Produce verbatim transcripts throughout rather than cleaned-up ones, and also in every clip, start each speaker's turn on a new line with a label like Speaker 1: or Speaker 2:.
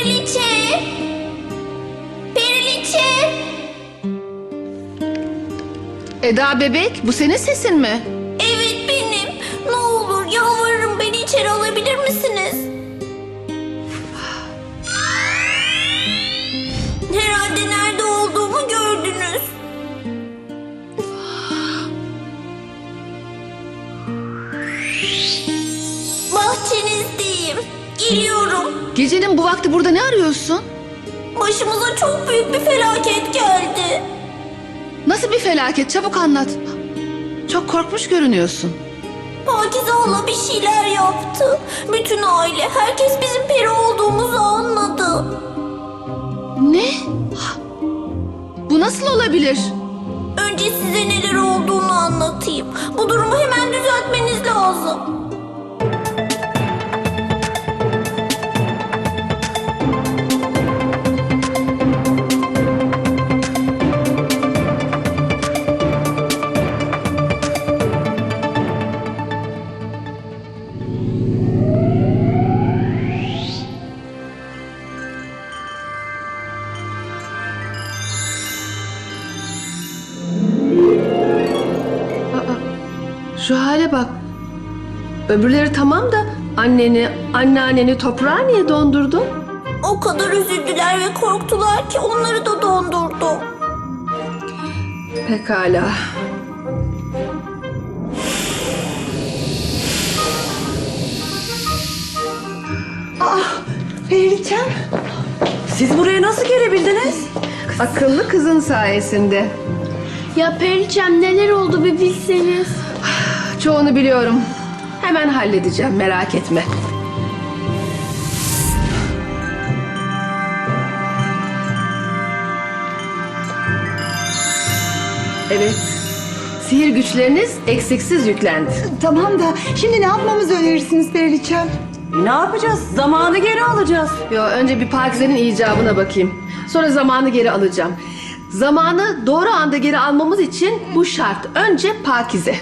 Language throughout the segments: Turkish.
Speaker 1: Periliçe! Periliçe!
Speaker 2: Eda bebek, bu senin sesin mi?
Speaker 1: Evet benim. Ne olur yalvarırım, beni içeri alabilir misiniz? Herhalde nerede olduğumu gördünüz. Bahçenizdeyim. Geliyorum.
Speaker 2: Gecenin bu vakti burada ne arıyorsun?
Speaker 1: Başımıza çok büyük bir felaket geldi.
Speaker 2: Nasıl bir felaket? Çabuk anlat. Çok korkmuş görünüyorsun.
Speaker 1: Pakize hala bir şeyler yaptı. Bütün aile, herkes bizim peri olduğumuzu anladı.
Speaker 2: Ne? Bu nasıl olabilir?
Speaker 1: Önce size neler olduğunu anlatayım. Bu durumu hemen düzeltmeniz lazım.
Speaker 3: Şu hale bak. Öbürleri tamam da anneni, anneanneni toprağa niye dondurdun?
Speaker 1: O kadar üzüldüler ve korktular ki onları da dondurdum.
Speaker 3: Pekala.
Speaker 4: Periliçem, siz buraya nasıl gelebildiniz?
Speaker 3: Akıllı kızın sayesinde.
Speaker 5: Ya Periçem neler oldu bir bilseniz.
Speaker 3: Çoğunu biliyorum. Hemen halledeceğim, merak etme. Evet. Sihir güçleriniz eksiksiz yüklendi.
Speaker 4: Tamam da şimdi ne yapmamızı önerirsiniz Periliçem?
Speaker 6: Ne yapacağız? Zamanı geri alacağız.
Speaker 3: Yo, önce bir Pakize'nin icabına bakayım. Sonra zamanı geri alacağım. Zamanı doğru anda geri almamız için bu şart. Önce Pakize.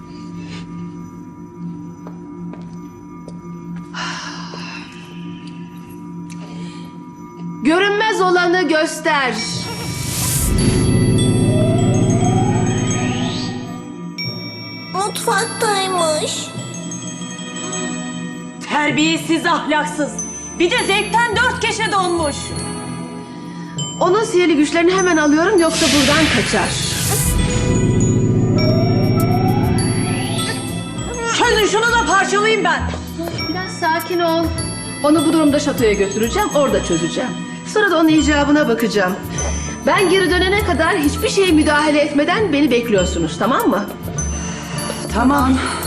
Speaker 3: Görünmez olanı göster.
Speaker 1: Mutfaktaymış.
Speaker 6: Terbiyesiz, ahlaksız. Bir de zevkten dört köşe donmuş.
Speaker 3: Onun sihirli güçlerini hemen alıyorum, yoksa buradan kaçar.
Speaker 6: Çözün şunu da parçalayayım ben.
Speaker 3: Biraz sakin ol. Onu bu durumda şatoya götüreceğim, orada çözeceğim. Sonra da onun icabına bakacağım. Ben geri dönene kadar hiçbir şeye müdahale etmeden beni bekliyorsunuz, tamam mı?
Speaker 6: Tamam.